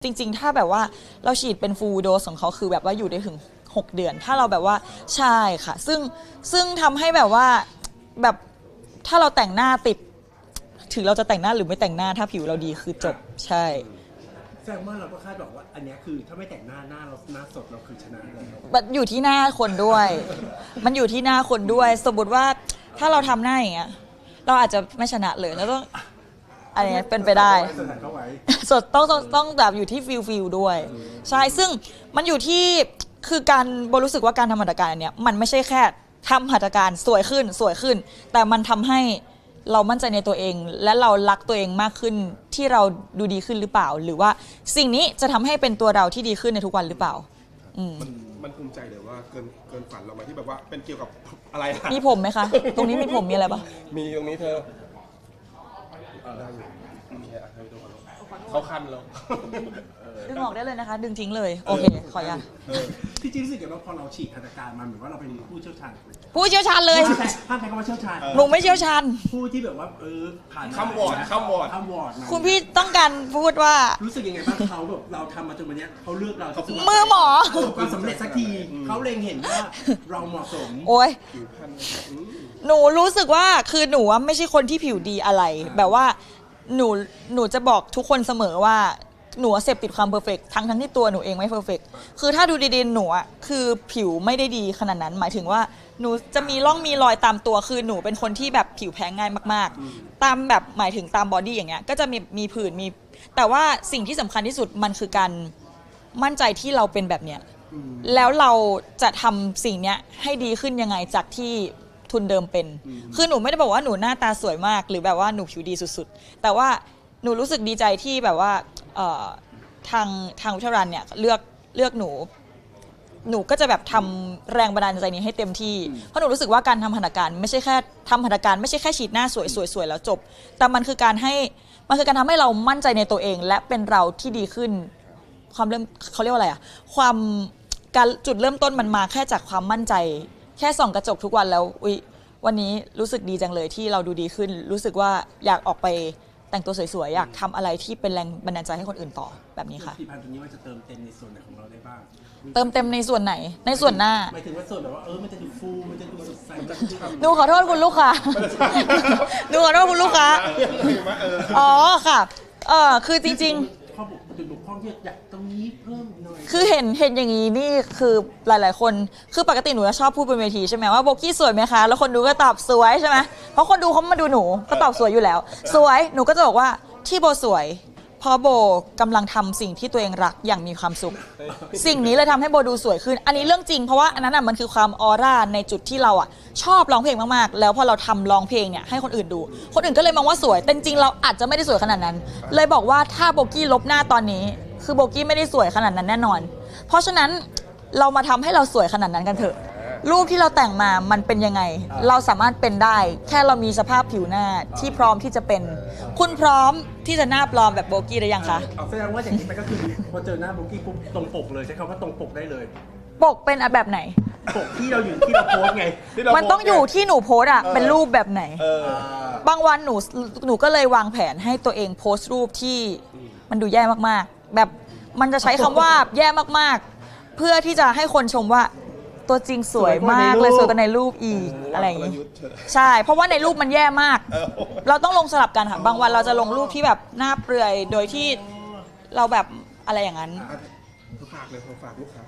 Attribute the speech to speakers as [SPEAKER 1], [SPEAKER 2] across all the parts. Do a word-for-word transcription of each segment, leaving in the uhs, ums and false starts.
[SPEAKER 1] จริงๆถ้าแบบว่าเราฉีดเป็นฟูลโดสของเขาคือแบบว่าอยู่ได้ถึงหกเดือนถ้าเราแบบว่าใช่ค่ะซึ่งซึ่งทำให้แบบว่าแบบถ้าเราแต่งหน้าติดถึงเราจะแต่งหน้าหรือไม่แต่งหน้าถ้าผิวเราดีคือจบใช่
[SPEAKER 2] แสดงว่าเราก็คาดหวังว่าอันนี้คือถ้าไม่แต่งหน้าหน้าเราหน้าสดเราคือชนะเลย
[SPEAKER 1] มันอยู่ที่หน้าคนด้วย มันอยู่ที่หน้าคนด้วยสมมติว่าถ้าเราทำหน้าอย่างเงี้ยเราอาจจะไม่ชนะเลยแล้วต้องอะไรเงี้ยเป็นไปได้สดต้องต้องแบบอยู่ที่ฟิลฟิลด้วยใช่ซึ่งมันอยู่ที่คือการโบรู้สึกว่าการทำหัตถการอันเนี้ยมันไม่ใช่แค่ทำหัตถการสวยขึ้นสวยขึ้นแต่มันทำให้เรามั่นใจในตัวเองและเรารักตัวเองมากขึ้นที่เราดูดีขึ้นหรือเปล่าหรือว่าสิ่งนี้จะทำให้เป็นตัวเราที่ดีขึ้นในทุกวันหรือเปล่า
[SPEAKER 3] มันมันภูมิใจเลยว่าเกินเกินฝันเราไหมที่แบบว่าเป็นเกี่ยวกับอะไร
[SPEAKER 1] มีผมไหมคะตรงนี้มีผมมีอะไรปะ
[SPEAKER 3] มีตรงนี้เธอได้อยู่เขาคันแล้ว
[SPEAKER 1] ดึงออกได้เลยนะคะดึงทิ้งเลยโอเคขออนุญาต
[SPEAKER 2] ที่จริงรู้สึกว่าพอเราฉีดหัตถการมันเหมือนว่าเราเป็นผู้เชี่ยวชาญ
[SPEAKER 1] ผู้เชี่ยวชาญเลย
[SPEAKER 2] ห้ามใช้คำว่าเชี่ยวชาญ
[SPEAKER 1] หนูไม่เชี่ยวชาญ
[SPEAKER 2] ผู้ที่แบบว่าเออผ่าน
[SPEAKER 3] คำวอร์ดคำวอร์ด
[SPEAKER 2] คำวอร์ด
[SPEAKER 1] คุณพี่ต้องการพูดว่า
[SPEAKER 2] รู้สึกยังไงบ้างเขาแบบเราทำมาจนวันนี้เขาเลือกเรา
[SPEAKER 1] มือหมอ
[SPEAKER 2] ความสำเร็จสักทีเขาเล็งเห็นว่าเราเหมาะสม
[SPEAKER 1] โอ้ยหนูรู้สึกว่าคือหนูว่าไม่ใช่คนที่ผิวดีอะไรแบบว่าหนูหนูจะบอกทุกคนเสมอว่าหนูเสพติดความเพอร์เฟกต์ทั้งทั้งที่ตัวหนูเองไม่เพอร์เฟกต์คือถ้าดูดีๆหนูอ่ะคือผิวไม่ได้ดีขนาดนั้นหมายถึงว่าหนูจะมีร่องมีรอยตามตัวคือหนูเป็นคนที่แบบผิวแพ้ง่ายมากๆตามแบบหมายถึงตามบอดี้อย่างเงี้ยก็จะมีมีผื่นมีแต่ว่าสิ่งที่สำคัญที่สุดมันคือการมั่นใจที่เราเป็นแบบเนี้ยแล้วเราจะทำสิ่งเนี้ยให้ดีขึ้นยังไงจากที่ทุนเดิมเป็นคือหนูไม่ได้บอกว่าหนูหน้าตาสวยมากหรือแบบว่าหนูผิวดีสุดๆแต่ว่าหนูรู้สึกดีใจที่แบบว่าทางทางวิทยาลัยเนี่ยเลือกเลือกหนูหนูก็จะแบบทำแรงบันดาลใจนี้ให้เต็มที่เพราะหนูรู้สึกว่าการทำหัตถการไม่ใช่แค่ทำหัตถการไม่ใช่แค่ฉีดหน้าสวยสวยสวยแล้วจบแต่มันคือการให้มันคือการทำให้เรามั่นใจในตัวเองและเป็นเราที่ดีขึ้นความเริ่มเขาเรียกว่าอะไรอะความการจุดเริ่มต้นมันมาแค่จากความมั่นใจแค่ส่องกระจกทุกวันแล้วอุ๊ยวันนี้รู้สึกดีจังเลยที่เราดูดีขึ้นรู้สึกว่าอยากออกไปแต่งตัวสวยๆอยากทำอะไรที่เป็นแรงบันดาลใจให้คนอื่นต่อแบบนี้ค่ะ
[SPEAKER 2] ผลิตภัณฑ์ตัวนี้มันจะเติมเต็มในส่วนไหนของเราได้บ้าง
[SPEAKER 1] เติมเต็มในส่วนไหนในส่วนหน้า
[SPEAKER 2] หมายถึงว่าส่วนแบบว่าเออมันจะดูฟูมันจะดูสดใส
[SPEAKER 1] หนูขอโทษคุณลูกค้าหนูขอโทษคุณลูกค้าอ๋อค่ะเออคือจริงๆ
[SPEAKER 2] ข้อจุดบกพร่องที่อยากตรงนี้เพิ่มหน่อย
[SPEAKER 1] คือเห็นเห็นอย่างนี้นี่คือหลายๆคนคือปกติหนูจะชอบพูดบนเวทีใช่ไหมว่าโบกี้สวยไหมคะแล้วคนดูก็ตอบสวยใช่ไหมเพราะคนดูเขามาดูหนูก็ตอบสวยอยู่แล้วสวยหนูก็จะบอกว่าที่โบสวยเพราะโบกำลังทำสิ่งที่ตัวเองรักอย่างมีความสุขสิ่งนี้เลยทำให้โบดูสวยขึ้นอันนี้เรื่องจริงเพราะว่าอันนั้นอ่ะมันคือความออร่าในจุดที่เราอ่ะชอบร้องเพลงมากๆแล้วพอเราทำร้องเพลงเนี่ยให้คนอื่นดูคนอื่นก็เลยมองว่าสวยแต่จริงเราอาจจะไม่ได้สวยขนาดนั้นเลยบอกว่าถ้าโบกี้ลบหน้าตอนนี้คือโบกี้ไม่ได้สวยขนาดนั้นแน่นอนเพราะฉะนั้นเรามาทำให้เราสวยขนาดนั้นกันเถอะรูปที่เราแต่งมามันเป็นยังไงเราสามารถเป็นได้แค่เรามีสภาพผิวหน้าที่พร้อมที่จะเป็นคุณพร้อมที่จะหน้าปลอมแบบโบกี้หรือยังคะ
[SPEAKER 2] เอาแสดงว่าอย่างนี้ไปก็คือพอเจอหน้าโบกี้ปุ๊บตรงปกเลยใช้คำว่าตรงปกได้เลย
[SPEAKER 1] ปกเป็นแบบไหน
[SPEAKER 2] ปกที่เราอยู่ที่เราโพสไง
[SPEAKER 1] มันต้องอยู่ที่หนูโพสอะเป็นรูปแบบไหนบางวันหนูหนูก็เลยวางแผนให้ตัวเองโพสต์รูปที่มันดูแย่มากๆแบบมันจะใช้คำว่าแย่มากๆเพื่อที่จะให้คนชมว่าตัวจริงสวยมากเลยสวยกว่าในรูปอีกอะไรอย่างนี้ใช่เพราะว่าในรูปมันแย่มากเราต้องลงสลับกันค่ะบางวันเราจะลงรูปที่แบบหน้าเปลือยโดยที่เราแบบอะไรอย่างนั้น
[SPEAKER 3] ฝากเลยฝากลูกค้า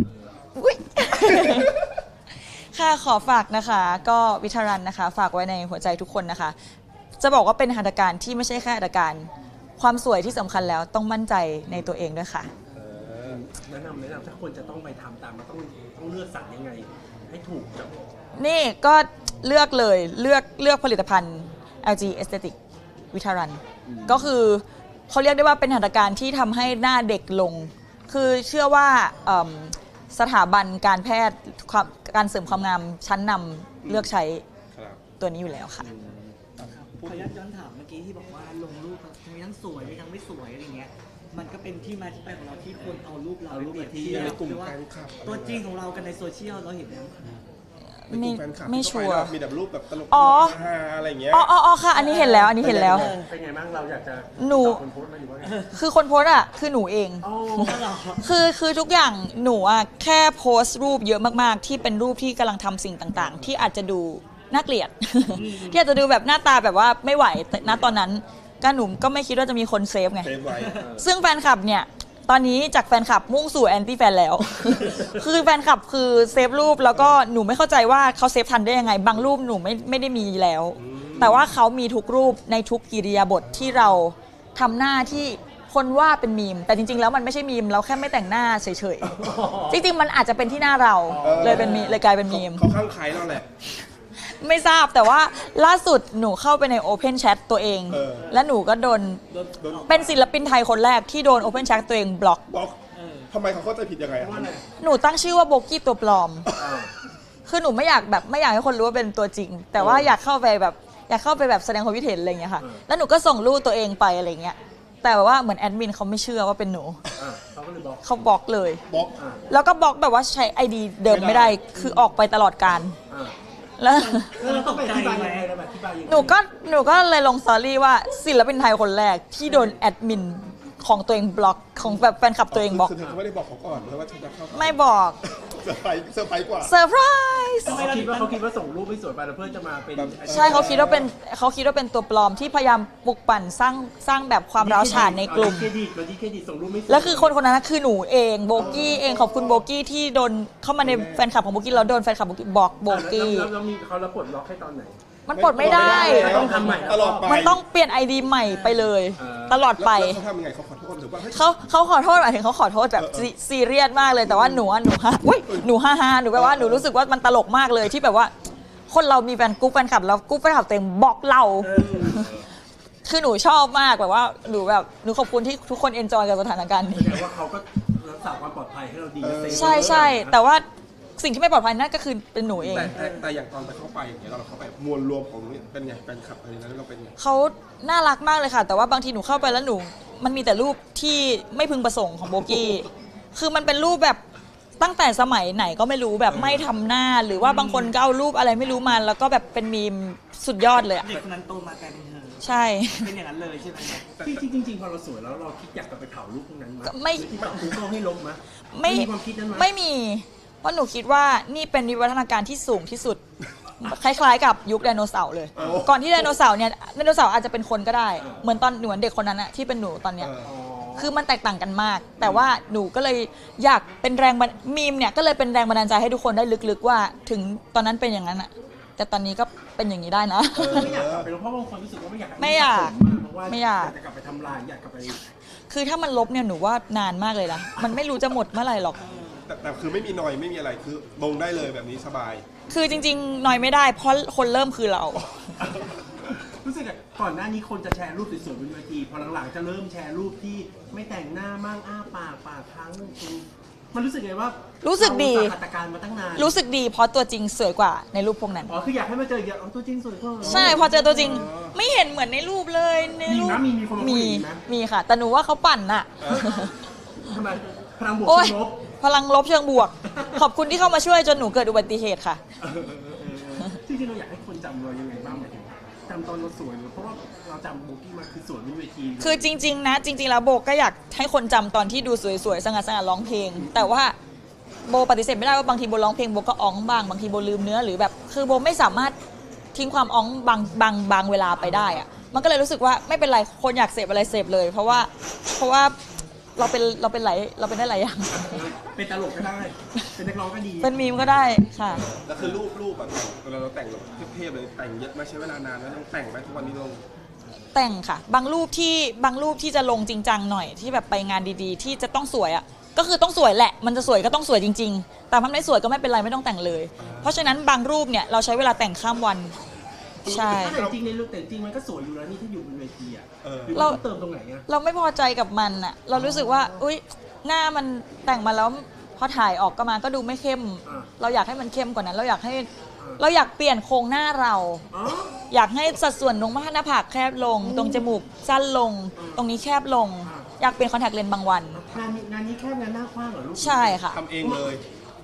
[SPEAKER 1] ค่ะขอฝากนะคะก็วิทารันนะคะฝากไว้ในหัวใจทุกคนนะคะจะบอกว่าเป็นหัตถการที่ไม่ใช่แค่หัตถการความสวยที่สำคัญแล้วต้องมั่นใจในตัวเองด้วยค่ะ
[SPEAKER 2] แนะนำแนะนำถ้าคนจะต้องไปทำตามมันต้องต้องเลือกสรรยังไงให้ถูกจับ
[SPEAKER 1] นี่ก็เลือกเลยเลือกเลือกผลิตภัณฑ์ แอล จี Aesthetic วิทารันก็คือเขาเรียกได้ว่าเป็นหัตถการที่ทำให้หน้าเด็กลงคือเชื่อว่าสถาบันการแพทย์การเสริมความงามชั้นนำเลือกใช้ตัวนี้อยู่แล้วค่ะ
[SPEAKER 4] ขออนุญาตย้อนถามเมื่อกี้ที่บอกว่าลงรูปมีทั้งสวยมีทั้งไม่สวยอะไรเงี้ยมันก็เป็นที่มาที่ไปของเราที่คนเอารูปเราไปเปรียบเทียบว่าตัวจริงของเรากันในโซเชียลเราเห็นแล้ว
[SPEAKER 3] ในกลุ่มแฟนคลับ
[SPEAKER 1] ไม่
[SPEAKER 3] ที่
[SPEAKER 1] ชั
[SPEAKER 3] เข้าว
[SPEAKER 1] ร์
[SPEAKER 3] ไปแล้วมีแบบรูปแบบตลก
[SPEAKER 1] อ๋อ
[SPEAKER 3] ฮาอะไรอย่างเงี้ย
[SPEAKER 1] อ๋ออ๋ออ๋อค่ะ อันนี้เห็นแล้ว อันนี้เห็นแล้ว
[SPEAKER 2] เป็นไงบ้างเราอยากจะ
[SPEAKER 1] หนู
[SPEAKER 2] ตอบคนโพสต์ไหมหรือว่าไง
[SPEAKER 1] คือคนโพสต์อ่ะคือหนูเอง
[SPEAKER 2] อ๋อ
[SPEAKER 1] คือคือทุกอย่างหนูอ่ะแค่โพสต์รูปเยอะมากๆ ที่เป็นรูปที่กำลังทำสิ่งต่างๆ ที่อาจจะดูน่าเกลียด ที่อาจจะดูแบบหน้าตาแบบว่าไม่ไหวแต่ณตอนนั้นก็หนูก็ไม่คิดว่าจะมีคนเซฟไง
[SPEAKER 3] เซฟไว้
[SPEAKER 1] ซึ่งแฟนคลับเนี่ยตอนนี้จากแฟนคลับมุ่งสู่แอนตี้แฟนแล้ว คือแฟนคลับคือเซฟรูปแล้วก็หนูไม่เข้าใจว่าเขาเซฟทันได้ยังไง บางรูปหนูไม่ไม่ได้มีแล้ว แต่ว่าเขามีทุกรูปในทุกกิริยาบทที่เราทำหน้าที่คนว่าเป็นมีม แต่จริงๆ แล้วมันไม่ใช่มีม เราแค่ไม่แต่งหน้าเฉยๆ จริงๆ มันอาจจะเป็นที่หน้าเรา
[SPEAKER 3] เออ
[SPEAKER 1] เลยเป็นมีเลยกลายเป็นมีม
[SPEAKER 3] เขาข้างใครเราแหละ
[SPEAKER 1] ไม่ทราบแต่ว่าล่าสุดหนูเข้าไปใน Open Chat ตัวเอง
[SPEAKER 3] เออ
[SPEAKER 1] และหนูก็โดน
[SPEAKER 3] โดน
[SPEAKER 1] เป็นศิลปินไทยคนแรกที่โดน Open Chat ตัวเองบล็อก
[SPEAKER 3] บล็อกทำไมเขาเข้าใจผิดยังไงอะ
[SPEAKER 2] ว่าอะไร
[SPEAKER 1] หนูตั้งชื่อว่าโบกี้ตัวปลอม
[SPEAKER 2] อ่า
[SPEAKER 1] คือหนูไม่อยากแบบไม่อยากให้คนรู้ว่าเป็นตัวจริง แต่ว่าอยากเข้าไปแบบอยากเข้าไปแบบแสดงความคิดเห็นอะไรอย่างเงี้ยค่ะ แล้วหนูก็ส่งรูปตัวเองไปอะไรเงี้ย แต่ว่าเหมือนแอดมินเขาไม่เชื่อว่าเป็นหนู
[SPEAKER 2] อ่าเขาก็เลยบอก
[SPEAKER 1] เขาบล็อกเลย
[SPEAKER 3] บล็อก
[SPEAKER 2] อ่า
[SPEAKER 1] แล้วก็บล็อกแบบว่าใช้ไอดีเดิมไม่ได้ คือออกไปตลอดการ
[SPEAKER 2] อ่า
[SPEAKER 1] แล้ว
[SPEAKER 2] แล้วเราต้องไปอธิบายยังไงเราแบบอธิบายยังไง
[SPEAKER 1] หนูก็หนูก็เลยลงสตอรี่ว่าศิลปินไทยคนแรกที่โดนแอดมินของตัวเองบล็อกของแบบแฟนคลับตัวเองบล็อก
[SPEAKER 3] คือเธอไม่ได้บอกเขาก่อนเลยว่าเธอจะเข้า
[SPEAKER 1] ไม่บอก
[SPEAKER 3] เซอร์ไพรส์เซอร์ไพรส์กว่า
[SPEAKER 1] เซอร์ไพรส์
[SPEAKER 2] เขาคิดว่าเขาคิดว่าส่งรูปไม่สวยไปแล้วเพื่อจะมาเป็น
[SPEAKER 1] ใช่เขาคิดว่าเป็นเขาคิดว่าเป็นตัวปลอมที่พยายามปลุกปั่นสร้างสร้างแบบความร้าวฉานในกลุ่ม
[SPEAKER 2] เครดิตเราที่เครดิตส่งรูปไม่สวย
[SPEAKER 1] แล้วคือคนคนนั้นนะคือหนูเองโบกี้เองขอบคุณโบกี้ที่โดนเข้ามาในแฟนคลับของโบกี้แล้วโดนแฟนคลับโบกี้บอกโบ
[SPEAKER 2] อ่า
[SPEAKER 1] กี้
[SPEAKER 2] แล้วแล้วแล้วมีเขาแล้วปลดล็อกให้ตอนไหน
[SPEAKER 1] มันปลดไม่ได้
[SPEAKER 2] ไม่ต้องทำใหม่
[SPEAKER 3] ตลอดไป
[SPEAKER 1] มันต้องเปลี่ยนไอดีใหม่ไปเลย
[SPEAKER 2] เออ
[SPEAKER 1] ตลอดไป
[SPEAKER 3] แล้วเขาทำยังไงเขาขอโทษหรือว่าเฮ้ย
[SPEAKER 1] เขาเขาขอโทษหมายถึงเขาขอโทษแบบ
[SPEAKER 3] เออเออ
[SPEAKER 1] ซีซีเรียสมากเลยแต่ว่าหนูอะหนูฮาอุ้ยหนูฮ่าฮ่าหนูแบบว่าหนูรู้สึกว่ามันตลกมากเลยที่แบบว่า คนเรามีแฟนกรุ๊ปแฟนคลับแล้วกรุ๊ปแฟนคลับตัวเองบอกเรา คือหนูชอบมากแบบว่าหนูแบบหนูขอบคุณที่ทุกคนเอนจอยกับสถานการณ์
[SPEAKER 2] แส
[SPEAKER 1] นี้
[SPEAKER 2] ดงว่าเขาก็รักษาความปลอดภัยให้เราดีนะเซฟ
[SPEAKER 1] ใช่ใช่แต่ว่าสิ่งที่ไม่ปลอดภัยนั่นก็คือเป็นหนูเอง
[SPEAKER 3] แต่แต่แต่อย่างตอนไปเข้าไปอย่างเงี้ยเราเข้าไปมวลรวมของเนี่ยเป็นไงแฟนคลับอะไรนั้นเราเป็นไง
[SPEAKER 1] เขาน่ารักมากเลยค่ะ แต่ว่าบางทีหนูเข้าไปแล้วหนู มันมีแต่รูปที่ไม่พึงประสงค์ของโบกี้ คือมันเป็นรูปแบบตั้งแต่สมัยไหนก็ไม่รู้แบบไม่ทำหน้า หรือว่าบางคนก็เอารูปอะไรไม่รู้มาแล้วก็แบบเป็นมีมสุดยอดเลยอะ
[SPEAKER 4] เด็กคนนั้นโตมากลายเป็นเธอ
[SPEAKER 1] ใช่
[SPEAKER 4] เป็นอย่างนั้นเลยใช่ไหมครับ
[SPEAKER 2] จริงๆจริงๆพอเราสวยแล้วเราคิดอยากจะไปเผารูปพวกนั้นไหม
[SPEAKER 1] ไม่
[SPEAKER 2] หรือที่แบบกูก็ให้ลบไหม
[SPEAKER 1] ไม่
[SPEAKER 2] มีความคิดนั้นไหม
[SPEAKER 1] ไม่มี เพราะหนูคิดว่านี่เป็นวิวัฒนาการที่สูงที่สุด คล้ายๆกับยุคไดโนเสาร์เลย
[SPEAKER 3] โอ้
[SPEAKER 1] ก่อนที่ไดโนเสาร์เนี่ยไดโนเสาร์อาจจะเป็นคนก็ได้ เหมือนตอนหนูเด็กคนนั้นอะที่เป็นหนูตอนเนี้ย
[SPEAKER 3] เออ
[SPEAKER 2] อ๋อ
[SPEAKER 1] คือมันแตกต่างกันมาก แต่ว่าหนูก็เลยอยากเป็นแรงบันมีมเนี่ยก็เลยเป็นแรงบันดาลใจให้ทุกคนได้ลึกๆว่าถึงตอนนั้นเป็นอย่างนั้นอะแต่ตอนนี้ก็เป็นอย่างนี้ได้นะ
[SPEAKER 2] ไม่อยากกลับไปลบเพราะบางคนรู้สึกว่าไม่อยาก
[SPEAKER 1] ไม่อยาก
[SPEAKER 2] เพราะว่า
[SPEAKER 1] ไม่อยาก
[SPEAKER 2] จะกลับไปทำลายอยากกลับไป
[SPEAKER 1] คือถ้ามันลบเนี่ยหนูว่านานมากเลยนะ มันไม่รู้จะหมดเมื่อไหร่หรอก
[SPEAKER 3] แต่แต่คือไม่มีนอยไม่มีอะไรคือลงได้เลยแบบนี้สบาย
[SPEAKER 1] คือจริงๆหน่อยไม่ได้เพราะคนเริ่มคือเรา
[SPEAKER 2] รู้สึกอะก่อนหน้านี้คนจะแชร์รูปสวยๆบนเวทีพอหลังๆจะเริ่มแชร์รูปที่ไม่แต่งหน้ามั่งอ้าปากปากค้างมันรู้สึกไงว่า
[SPEAKER 1] รู้
[SPEAKER 2] รู้
[SPEAKER 1] สึกดี
[SPEAKER 2] หัตถการมาตั้งนาน
[SPEAKER 1] รู้สึกดีเพราะตัวจริงสวยกว่าในรูปพวกนั้น
[SPEAKER 2] อ๋อคืออยากให้มาเจออีกอย่างอ๋อตัวจริงสวยกว่า
[SPEAKER 1] ใช่พอเจอตัวจริงไม่เห็นเหมือนในรูปเลยในรูป
[SPEAKER 2] มีนะมีมีคนมาคุย
[SPEAKER 1] มี
[SPEAKER 2] อย่างนี้ไหม
[SPEAKER 1] มีค่ะ แต่หนูว่าเขาปั่นน่ะ
[SPEAKER 2] ทำไมพลังบวก
[SPEAKER 1] โอ๊ย
[SPEAKER 2] เชิงลบ
[SPEAKER 1] พลังลบเชิงบวก ขอบคุณที่เข้ามาช่วยจนหนูเกิดอุบัติเหตุค่ะ
[SPEAKER 2] เออเออเออเออจริงๆเราอยากให้คนจำเรายังไงบ้างหมายถึงจำตอนเราสวยหรือเพราะว่าเราจำโบกี้มาคือสวยบนเวที
[SPEAKER 1] คือจริง ๆ นะ จริง ๆ แล้วโบก็อยากให้คนจำตอนที่ดูสวยๆสง่าๆร้องเพลง แต่ว่าโบปฏิเสธไม่ได้ว่าบางทีโบร้องเพลงโบก็อ้องบ้างบางทีโบลืมเนื้อหรือแบบ คือโบไม่สามารถทิ้งความอ้องบางบางบางเวลาไปได้อะมันก็เลยรู้สึกว่าไม่เป็นไรคนอยากเสพอะไรเสพเลย เพราะว่าเพราะว่าเราเป็นเราเป็นหลายเราเป็นได้หลายอย่าง
[SPEAKER 2] เป็นตลกก็ได้ เป็นนักร้องก็ดี
[SPEAKER 1] เป็นมีมก็ได้ค่ะ
[SPEAKER 3] แล้วคือรูปรูปแบบเวลาเราแต่งแบบเทพๆเลยแต่งเยอะไหมใช้เวลานานไหมต้องแต่งไหมทุกวันนี้ลง
[SPEAKER 1] แต่งค่ะ บางรูปที่บางรูปที่จะลงจริงจังหน่อยที่แบบไปงานดีๆ ที่จะต้องสวยอ่ะก็คือต้องสวยแหละ มันจะสวยก็ต้องสวยจริง ๆ แต่มันไม่สวยก็ไม่เป็นไรไม่ต้องแต่งเลย เพราะฉะนั้นบางรูปเนี่ยเราใช้เวลาแต่งข้ามวัน ใช่
[SPEAKER 2] ถ้าแต่จริงในรูปแต่จริงมันก็สวยอยู่แล้วนี่ถ้าอยู่บนเวทีอ่ะ
[SPEAKER 3] เออ
[SPEAKER 2] หรือ
[SPEAKER 1] เรา
[SPEAKER 2] ว่าต้องเติมตรงไหนอ่ะ
[SPEAKER 1] เราไม่พอใจกับมันอ่ะเรารู้สึกว่าอุ๊ยหน้ามันแต่งมาแล้วพอถ่ายออกก็มาก็ดูไม่เข้ม เราอยากให้มันเข้มกว่านั้น เราอยากให้เราอยากเปลี่ยนโครงหน้าเรา
[SPEAKER 2] อ๋อ
[SPEAKER 1] อยากให้สัดส่วนตรงหน้าผากแคบลง ตรงจมูกสั้นลง ตรงนี้แคบลง อยากเปลี่ยนคอนแทคเลนส์บางวัน
[SPEAKER 2] งานนี้งานนี้แค่งานหน้าคว้างเหรอลูก
[SPEAKER 1] ใช่ค่ะ
[SPEAKER 3] ทำเองเลย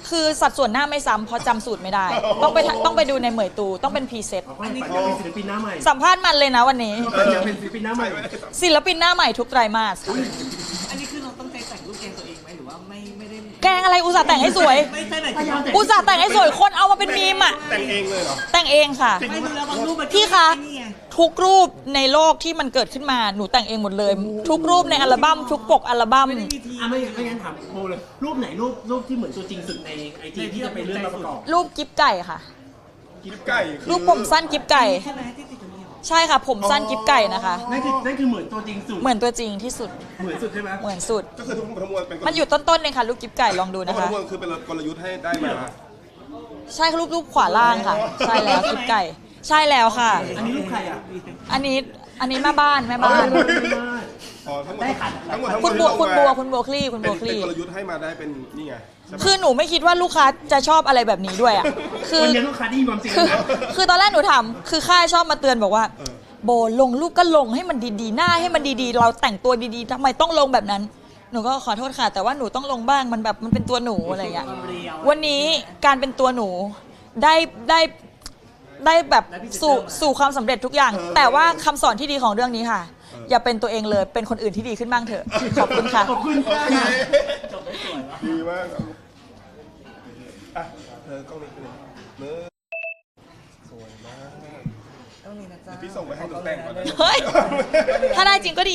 [SPEAKER 1] คือสัดส่วนหน้าไม่ซ้ำเพราะจำสูตรไม่ได้ ต้องไปต้องไปดูในเหมยตูต้องเป็นพรีเซต
[SPEAKER 2] เอาก็ฝันอยากเป็นศิลปินหน้าใหม่
[SPEAKER 1] สัมภาษณ์มันเลยนะวันนี้
[SPEAKER 2] ฝันอยากเป็นศิลปินหน้าใหม่
[SPEAKER 1] ศิลปินหน้าใหม่ทุกไตรมาสค่ะ
[SPEAKER 4] อันนี้คือเราต้องใจแต่งรูปแกงตัวเองไหมหรือว่าไม่ไม่ได้
[SPEAKER 1] แกงอะไรอุตส่าห์แต่งให้สวย
[SPEAKER 4] ไม่ใช่แบบที่
[SPEAKER 1] อุตส่าห์แต่งให้สวยคนเอามาเป็นมีมอ่ะ
[SPEAKER 3] แต่งเองเลยเหรอ
[SPEAKER 1] แต่งเองค่ะ
[SPEAKER 4] ไม่ดูแล้วบางรูปมัน
[SPEAKER 1] พี่คะ
[SPEAKER 4] นี่ไง
[SPEAKER 1] ทุกรูปในโลกที่มันเกิดขึ้นมาหนูแต่งเองหมดเลย ทุกรูปในอัลบั้มทุกปกอัลบั้ม
[SPEAKER 4] ไม่ได้มีที
[SPEAKER 2] อ่ะไม่ไม่งั้นถามโบเลย รูปไหนรูปรูปที่เหมือนตัวจริงสุดในไอจีที่จะไปเลื่อนมาประกอบ
[SPEAKER 1] รูปกิ๊บไก่ค่ะ
[SPEAKER 3] กิ๊บไก่คือ
[SPEAKER 1] รูปผมสั้นกิ๊บไก่
[SPEAKER 4] ใช่ไหมที่ติดตรงนี้เหรอ
[SPEAKER 1] ใช่ค่ะ ผมสั้นกิ๊บไก่นะคะ
[SPEAKER 2] นั่นคือนั่นคือเหมือนตัวจริงสุด
[SPEAKER 1] เหมือนตัวจริงที่สุด
[SPEAKER 2] เหมือนสุดใช่ไหม
[SPEAKER 1] เหมือนสุด
[SPEAKER 3] ก็คือทุกทั้งมวลเป็นกล
[SPEAKER 1] มันอยู่ต้นๆเลยค่ะรูปกิ๊บไก่ลองดู
[SPEAKER 3] ทั้
[SPEAKER 1] นะ
[SPEAKER 3] งหมด
[SPEAKER 1] คะ
[SPEAKER 3] ทั้งมวลคือเป็นกลยุทธ์ให้ได้มา
[SPEAKER 1] ใช่รูปรูปขวาล่างค่ะ ใช่แล้วกิ๊บไก่ ใช่แล้วค่ะ
[SPEAKER 2] อันนี้รูปใครอ่ะ
[SPEAKER 1] อันนี้อันนี้แม่บ้านแม่บ้าน
[SPEAKER 3] อ๋อทั้งหมด
[SPEAKER 2] ได้ขัด
[SPEAKER 3] ทั้งหมดทั้งม
[SPEAKER 1] คุ
[SPEAKER 3] วล
[SPEAKER 1] ณบัว
[SPEAKER 3] ที่
[SPEAKER 1] คุณ
[SPEAKER 3] ลง
[SPEAKER 1] บัว
[SPEAKER 3] มา
[SPEAKER 1] คุณบัวคลี่คุณบัวค
[SPEAKER 3] เป็น
[SPEAKER 1] ลี่
[SPEAKER 3] กลยุทธ์ให้มาได้เป็นนี่ไงใช่ไหม
[SPEAKER 1] คือหนูไม่คิดว่าลูกค้าจะชอบอะไรแบบนี้ด้วยอ่ะ คือ
[SPEAKER 2] วันนี้ลูกค้าได้ยินความจริง
[SPEAKER 1] คือ
[SPEAKER 2] แล้ว
[SPEAKER 1] คือตอนแรกหนูถามคือค่ายชอบมาเตือนบอกว่า โบลงรูปก็ลงให้มันดีๆ หน้าให้มันดีๆ เราแต่งตัวดีๆทำไมต้องลงแบบนั้น หนูก็ขอโทษค่ะ แต่ว่าหนูต้องลงบ้างมันแบบมันเป็นตัวหนูอะไรอย่างเงี้ย
[SPEAKER 4] ความเรียว
[SPEAKER 1] วันนี้การเป็นตัวหนูได้ได้ได้แบบสู่สู่ความสำเร็จทุกอย่าง แต่ว่าคำสอนที่ดีของเรื่องนี้ค่ะ อย่าเป็นตัวเองเลยเป็นคนอื่นที่ดีขึ้นบ้างเถอะขอบคุณค่ะ
[SPEAKER 2] ขอบคุณค่ะ
[SPEAKER 4] จบได้สวยวะ
[SPEAKER 3] ดีมากครับอ่ะเธอกล้องนี้เป็นเนื้อสวยมาก
[SPEAKER 4] ต้องมีนะจ๊ะ
[SPEAKER 3] พี่ส่งไปให้หนูแต่งก่อนนะ
[SPEAKER 1] เฮ้ย ถ้าได้จริงก็ดี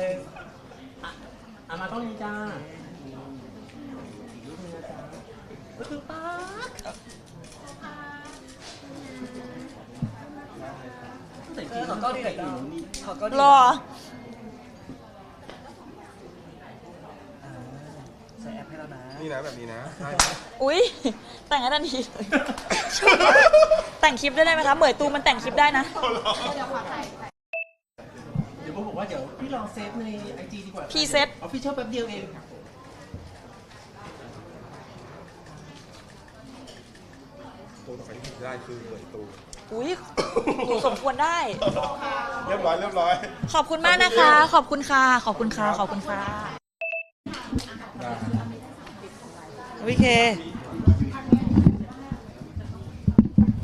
[SPEAKER 2] อ่ะมาต้องนี้จ้า
[SPEAKER 4] เออขอก้อนดีหน่อยจ้ะขอก้อนดี
[SPEAKER 1] รอ
[SPEAKER 4] อ่าใส่แอปให้แล้วนะ
[SPEAKER 3] นี่นะแบบนี้นะใช่
[SPEAKER 1] อุ๊ย แต่งให้ทันทีเลย แต่งคลิปด้วยได้ไหมคะเหมยตูมันแต่งคลิปได้นะ
[SPEAKER 2] เดี๋ยวผมบอกว่าเดี๋ยวพี่ลองเซฟในไอจีดีกว่า
[SPEAKER 1] พี่เซฟ
[SPEAKER 2] ออฟฟิเชียลแป๊บเดียวเอง
[SPEAKER 3] ตัวต่อไปที่ได้คือเหมือนตัว
[SPEAKER 1] อุ๊ยหนูสมควรได้
[SPEAKER 3] เรียบร้อยเรียบร้อย
[SPEAKER 1] ขอบคุณมากนะคะ ขอบคุณค่ะ ขอบคุณค่ะ ขอบคุณค่ะ
[SPEAKER 3] ได้
[SPEAKER 1] โอเค